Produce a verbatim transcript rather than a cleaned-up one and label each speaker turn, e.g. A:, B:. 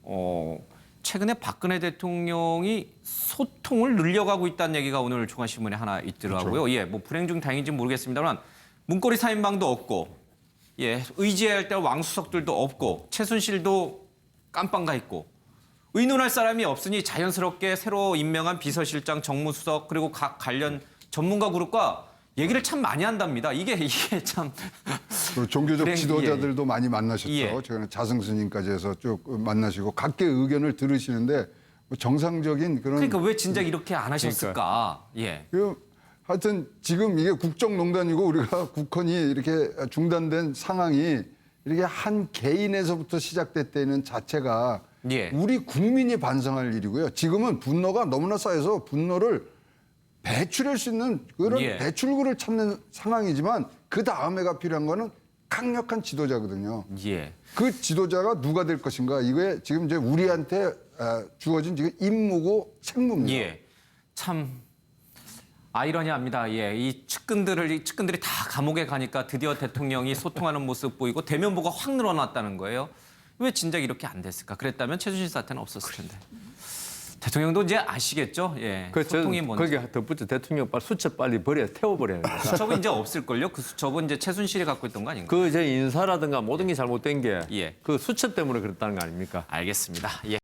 A: 어, 최근에 박근혜 대통령이 소통을 늘려가고 있다는 얘기가 오늘 중앙신문에 하나 있더라고요. 그렇죠. 예, 뭐 불행 중 다행인지 모르겠습니다만 문고리 사인방도 없고, 예, 의지해야 할 때 왕수석들도 없고, 최순실도 깜빵가 있고, 의논할 사람이 없으니 자연스럽게 새로 임명한 비서실장, 정무수석 그리고 각 관련 전문가 그룹과 얘기를 참 많이 한답니다. 이게 이게 참
B: 그리고 종교적
A: 불행,
B: 지도자들도 예. 많이 만나셨죠.
A: 예.
B: 최근에 자승스님까지 해서 쭉 만나시고 각계의 의견을 들으시는데 뭐 정상적인 그런.
A: 그러니까 왜 진작 이렇게 안 하셨을까? 그러니까. 예.
B: 그 하여튼 지금 이게 국정농단이고 우리가 국헌이 이렇게 중단된 상황이 이렇게 한 개인에서부터 시작됐다는 자체가
A: 예.
B: 우리 국민이 반성할 일이고요. 지금은 분노가 너무나 쌓여서 분노를 배출할 수 있는 그런
A: 예.
B: 배출구를 찾는 상황이지만 그 다음에가 필요한 거는 강력한 지도자거든요.
A: 예.
B: 그 지도자가 누가 될 것인가 이게 지금 이제 우리한테 주어진 지금 임무고 책무입니다.
A: 예. 참 아이러니합니다. 예. 이 측근들을 이 측근들이 다 감옥에 가니까 드디어 대통령이 소통하는 모습 보이고 대면보가 확 늘어났다는 거예요. 왜 진작 이렇게 안 됐을까? 그랬다면 최순실 사태는 없었을 텐데. 대통령도 이제 아시겠죠? 예.
C: 그
A: 소통이 뭔지.
C: 거기에 덧붙여 대통령 빨리 수첩 빨리 버려 태워버려야 됩니다.
A: 수첩은 이제 없을걸요? 그 수첩은 이제 최순실이 갖고 있던 거 아닌가?
C: 그 이제 인사라든가 모든 게 잘못된 게 그
A: 예.
C: 수첩 때문에 그랬다는 거 아닙니까?
A: 알겠습니다. 예.